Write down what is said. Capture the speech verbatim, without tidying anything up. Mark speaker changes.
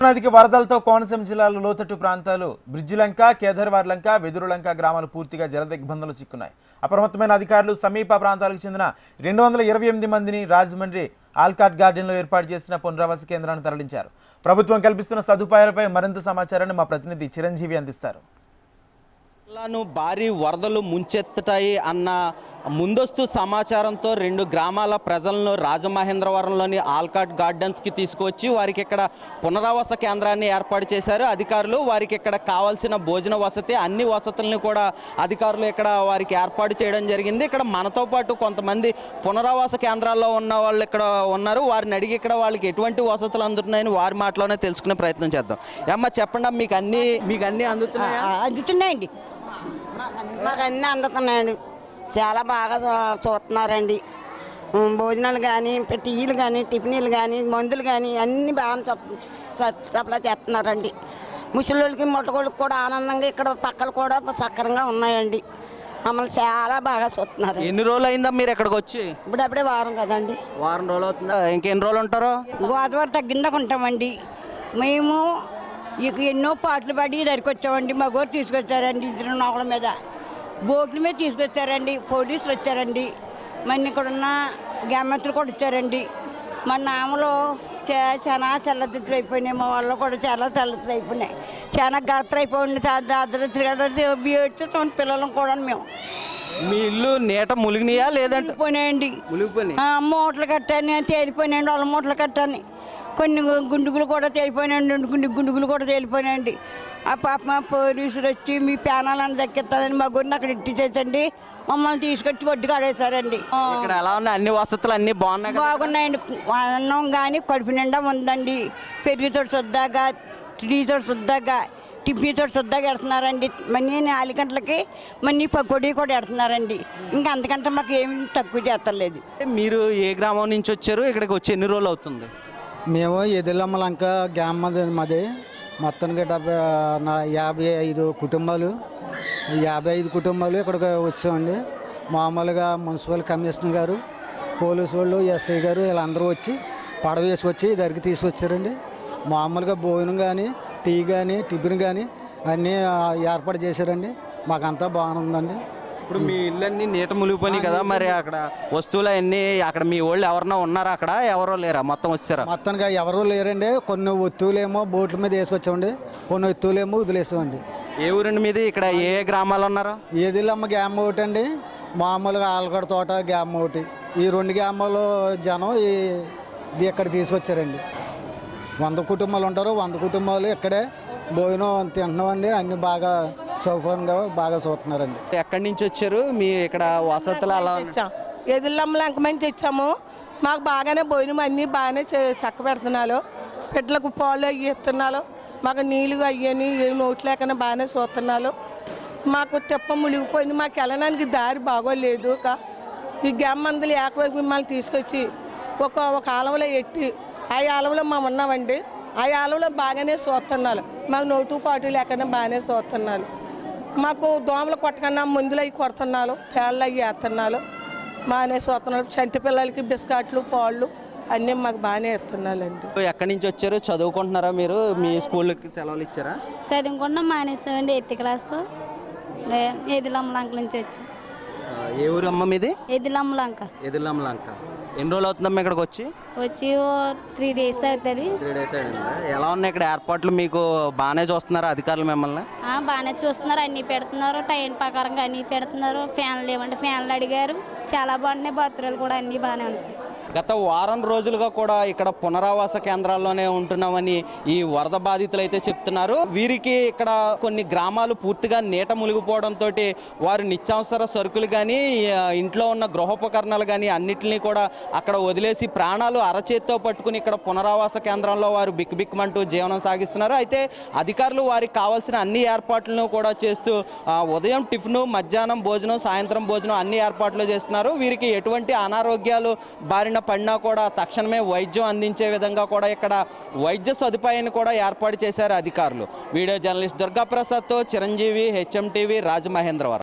Speaker 1: నదికి వరదలతో కోనసీమ జిల్లాలో లోతట్టు ప్రాంతాలు బ్రిడ్జిలంక, కేదార్వార్లంక, వెదురులంక గ్రామాలు పూర్తిగా జలదిగ్బంధంలో చిక్కున్నాయి. అప్రమత్తమైన అధికారులు సమీప ప్రాంతాలకు చెందిన రెండు వందల ఇరవై ఎనిమిది మందిని రాజమండ్రి ఆల్కాట్ గార్డెన్లో ఏర్పాటు చేసిన పునరావాస కేంద్రాన్ని తరలించారు. ప్రభుత్వం కల్పిస్తున్న సదుపాయాలపై మరింత సమాచారాన్ని మా ప్రతినిధి చిరంజీవి అందిస్తారు.
Speaker 2: జిల్లాను భారీ వరదలు ముంచెత్తుతాయి అన్న ముందస్తు సమాచారంతో రెండు గ్రామాల ప్రజలను రాజమహేంద్రవరంలోని ఆల్కాట్ గార్డెన్స్కి తీసుకువచ్చి వారికి ఇక్కడ పునరావాస కేంద్రాన్ని ఏర్పాటు చేశారు అధికారులు. వారికి ఇక్కడ కావాల్సిన భోజన వసతి అన్ని వసతులను కూడా అధికారులు ఇక్కడ వారికి ఏర్పాటు చేయడం జరిగింది. ఇక్కడ మనతో పాటు కొంతమంది పునరావాస కేంద్రాల్లో ఉన్న వాళ్ళు ఇక్కడ ఉన్నారు. వారిని అడిగి ఇక్కడ వాళ్ళకి ఎటువంటి వసతులు అందుతున్నాయని వారి మాటలోనే తెలుసుకునే ప్రయత్నం చేద్దాం. ఏమ్మా చెప్పండి, మీకు అన్ని మీకు అన్నీ అందుతున్నాయా?
Speaker 3: అందుతున్నాయండి, మాకు అన్నీ అందుతున్నాయండి. చాలా బాగా చూస్తున్నారండి. భోజనాలు కానీ, టీలు కానీ, టిఫిన్లు కానీ, మందులు కానీ అన్నీ బాగా సప్లై చేస్తున్నారండి. ముసలిళ్ళకి మొట్టగోళ్ళకి కూడా ఆనందంగా ఇక్కడ పక్కలు కూడా సక్రంగా ఉన్నాయండి. మమ్మల్ని చాలా బాగా చూస్తున్నారు.
Speaker 2: ఎన్ని రోజులు అయిందా మీరు ఇక్కడికి వచ్చి?
Speaker 3: ఇప్పుడు అప్పుడే వారం కదండి.
Speaker 2: వారం రోజులు అవుతుందా? ఇంకెన్ని రోజులు ఉంటారో?
Speaker 3: గోదావరి తగ్గిందాక ఉంటామండి. మేము ఇక ఎన్నో పాటలు పడి దగ్గరికి వచ్చామండి. మా గోరు తీసుకొచ్చారండి, ఇద్దరు నౌకల మీద బోట్ల మీద తీసుకొచ్చారండి. పోలీసులు వచ్చారండి. మన ఇక్కడ ఉన్న గ్రామస్తులు కూడా వచ్చారండి. మా నామలో చాలా చల్లతిత్తులు అయిపోయినాయి. మా వాళ్ళు కూడా చాలా చల్లతిత్తులు అయిపోయినాయి. చాలా గాత్ర అయిపోయింది. ఏడ్చేస్తాం పిల్లలం కూడా. మేము
Speaker 2: మీ ఇల్లు నీట ములిగినాయా లేదంటే?
Speaker 3: పోయినాయండి. మూటలు కట్టాను, తేలిపోయినాయండి. వాళ్ళ మూటలు కట్టాను. కొన్ని గుండుగులు కూడా తేలిపోయినాయండి. కొన్ని గుండుగులు కూడా తేలిపోయినాయండి. ఆ పాప మా పోలీసులు వచ్చి మీ ప్యానాలను దక్కిస్తారని మా గురిని అక్కడ ఇట్టించేసండి. మమ్మల్ని తీసుకొచ్చి ఒడ్డు కాడేశారండి.
Speaker 2: ఇక్కడ ఎలా ఉన్నాయి? అన్ని వసతులు అన్ని బాగున్నాయి
Speaker 3: బాగున్నాయండి. అన్నం కానీ కడుపు నిండా ఉందండి. పెరుగుతో శుద్ధాగా, టీతో శుద్ధాగా, టిఫిన్తో శుద్ధాగా ఎడుతున్నారండి. మనీ నాలుగు గంటలకి మనీ పకోడీ కూడా ఎడుతున్నారండి. ఇంకా అంతకంటే మాకు ఏమి తక్కువ చేస్తలేదు.
Speaker 2: మీరు ఏ గ్రామం నుంచి వచ్చారు? ఇక్కడికి వచ్చి ఎన్ని రోజులు అవుతుంది?
Speaker 4: మేము ఎదిలమ్మలంక గ్రామం మాది. మొత్తానికి డెబ్బై నా యాభై ఐదు కుటుంబాలు యాభై ఐదు కుటుంబాలు ఇక్కడికి వచ్చామండి. మామూలుగా మున్సిపల్ కమిషనర్ గారు, పోలీసు వాళ్ళు, ఎస్ఐ గారు వీళ్ళందరూ వచ్చి పడవ వేసి వచ్చి దగ్గరికి తీసుకొచ్చారండి. మామూలుగా భోజనం కానీ, టీ కానీ, టిఫిన్ కానీ అన్నీ ఏర్పాటు చేశారండి. మాకంతా బాగుందండి.
Speaker 2: ఇప్పుడు మీ ఇల్లు అన్నీ నీట మునిగిపోయినాయి కదా, మరి అక్కడ వస్తువులు అన్నీ అక్కడ మీ వాళ్ళు ఎవరన్నా ఉన్నారా? అక్కడ ఎవరో లేరా? మొత్తం వచ్చారా?
Speaker 4: మొత్తానికి ఎవరూ లేరండి. కొన్ని వస్తువులేమో బోట్ల మీద వేసుకొచ్చామండి, కొన్ని వస్తువులేమో వదిలేసామండి.
Speaker 2: ఏ ఊరండి మీది? ఇక్కడ ఏ గ్రామాలు ఉన్నారు?
Speaker 4: ఏదిలమ్మ గ్యామ్ ఒకటి అండి, మామూలుగా ఆలగడ తోట గ్యామ్ ఒకటి. ఈ రెండు గ్రామాలు జనం ఇది ఇక్కడ తీసుకొచ్చారండి. వంద కుటుంబాలు ఉంటారు. వంద కుటుంబాలు ఇక్కడే భోజనం తింటున్నామండి. అన్ని బాగా సౌకర్యంగా బాగా చూస్తున్నారండి.
Speaker 2: ఎక్కడి నుంచి వచ్చారు? మీ ఇక్కడ వసతులు అలా
Speaker 5: ఎదిల్లమ్మలంక మంచి ఇచ్చాము. మాకు బాగానే భోజనం అన్నీ బాగానే చక్క పెడుతున్నారు. బిడ్డలకు పాలు అవి ఇస్తున్నారు. మాకు నీళ్ళు అయ్యని ఏమి నోటు లేకనే బాగానే చూస్తున్నారు. మాకు తెప్ప మునిగిపోయింది. మాకు వెళ్ళడానికి దారి బాగోలేదు. ఈ గ్రామందరూ ఏకవైపు మిమ్మల్ని తీసుకొచ్చి ఒక ఒక ఆలవలో ఎట్టి ఆ ఆలవలో మేము ఉన్నామండి. ఆ ఆలవలో బాగానే చూస్తున్నారు. మాకు నోటు పాటు లేకనే బాగానే చూస్తున్నారు. మాకు దోమలు కొట్టకన్నా మందులు అవి కొడుతున్నారు, పేళ్ళు అవి వేస్తున్నారు. బాగానే చూస్తున్నారు. చంటి పిల్లలకి బిస్కెట్లు, పాళ్ళు అన్నీ మాకు బాగానే ఇస్తున్నారండి.
Speaker 2: ఎక్కడి నుంచి వచ్చారు? చదువుకుంటున్నారా మీరు? మీ స్కూల్కి సెలవులు ఇచ్చారా?
Speaker 6: చదువుకుంటున్నాం, మానేసామండి. ఎయిత్ క్లాస్ ఎదిలమ్మలంక నుంచి వచ్చాం.
Speaker 2: ఏ ఊరు అమ్మ మీది?
Speaker 6: ఎదిలమ్మలంక.
Speaker 2: ఎదిలమ్మలంక. ఎన్ని రోజులు అవుతుందమ్మా ఇక్కడికి వచ్చి?
Speaker 6: వచ్చి త్రీ డేస్ అవుతుంది.
Speaker 2: త్రీ డేస్ అయిందా? ఎలా ఉన్నాయి ఇక్కడ ఏర్పాట్లు? మీకు బాగానే చూస్తున్నారా అధికారులు మిమ్మల్ని?
Speaker 6: బాగానే చూస్తున్నారు, అన్నీ పెడుతున్నారు. టైం ప్రకారంగా అన్నీ పెడుతున్నారు. ఫ్యాన్లు ఏమంటే ఫ్యాన్లు అడిగారు. చాలా బాగుంటున్నాయి. బాత్రూలు కూడా అన్నీ బాగానే ఉంటాయి.
Speaker 2: గత వారం రోజులుగా కూడా ఇక్కడ పునరావాస కేంద్రాల్లోనే ఉంటున్నామని ఈ వరద బాధితులు అయితే చెప్తున్నారు. వీరికి ఇక్కడ కొన్ని గ్రామాలు పూర్తిగా నీట మునిగిపోవడంతో వారు నిత్యావసర సరుకులు కానీ, ఇంట్లో ఉన్న గృహోపకరణాలు కానీ అన్నిటినీ కూడా అక్కడ వదిలేసి ప్రాణాలు అరచేత్తో పట్టుకుని ఇక్కడ పునరావాస కేంద్రంలో వారు బిక్కుబిక్కుమంటూ జీవనం సాగిస్తున్నారు. అయితే అధికారులు వారికి కావాల్సిన అన్ని ఏర్పాట్లను కూడా చేస్తూ ఉదయం టిఫిన్, మధ్యాహ్నం భోజనం, సాయంత్రం భోజనం అన్ని ఏర్పాట్లు చేస్తున్నారు. వీరికి ఎటువంటి అనారోగ్యాలు బారిన పడినా కూడా తక్షణమే వైద్యం అందించే విధంగా కూడా ఇక్కడ వైద్య సదుపాయాన్ని కూడా ఏర్పాటు చేశారు అధికారులు. వీడియో జర్నలిస్ట్ దుర్గాప్రసాద్తో చిరంజీవి, హెచ్ఎం టీవీ, రాజమహేంద్రవరం.